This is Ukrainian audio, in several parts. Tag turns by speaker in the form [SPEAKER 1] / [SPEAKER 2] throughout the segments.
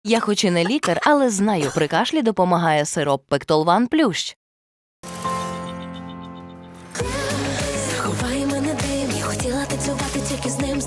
[SPEAKER 1] Я хоч і не лікар, але знаю, при кашлі допомагає сироп Пектолван Плющ.
[SPEAKER 2] Заховай мене дим, я хотіла танцювати тільки з ним.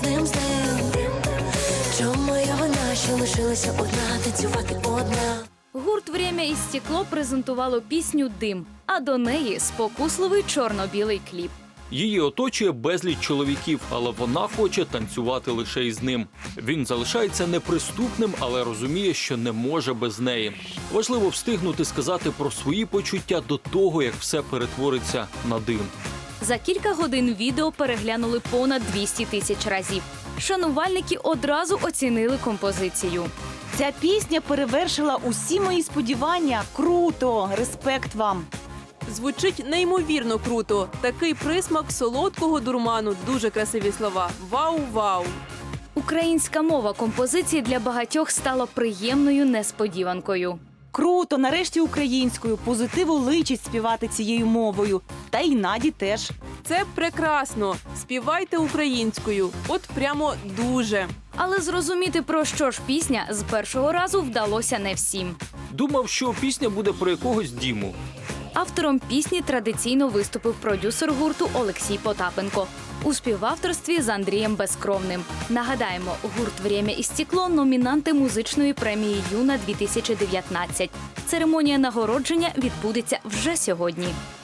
[SPEAKER 2] Чому моя вина, що лишилася одна, танцювати одна?
[SPEAKER 3] Гурт «Время і стекло» презентувало пісню «Дим», а до неї спокусливий чорно-білий кліп.
[SPEAKER 4] Її оточує безліч чоловіків, але вона хоче танцювати лише із ним. Він залишається неприступним, але розуміє, що не може без неї. Важливо встигнути сказати про свої почуття до того, як все перетвориться на дим.
[SPEAKER 3] За кілька годин відео переглянули понад 200 тисяч разів. Шанувальники одразу оцінили композицію.
[SPEAKER 5] Ця пісня перевершила усі мої сподівання. Круто! Респект вам!
[SPEAKER 6] Звучить неймовірно круто. Такий присмак солодкого дурману. Дуже красиві слова. Вау-вау!
[SPEAKER 3] Українська мова композиції для багатьох стала приємною несподіванкою.
[SPEAKER 5] Круто! Нарешті українською. Позитиву личить співати цією мовою. Та й Наді теж.
[SPEAKER 6] Це прекрасно. Співайте українською. От прямо дуже.
[SPEAKER 3] Але зрозуміти, про що ж пісня, з першого разу вдалося не всім.
[SPEAKER 4] Думав, що пісня буде про якогось Діму.
[SPEAKER 3] Автором пісні традиційно виступив продюсер гурту Олексій Потапенко у співавторстві з Андрієм Безкровним. Нагадаємо, гурт «Время і стекло» – номінанти музичної премії «Юна-2019». Церемонія нагородження відбудеться вже сьогодні.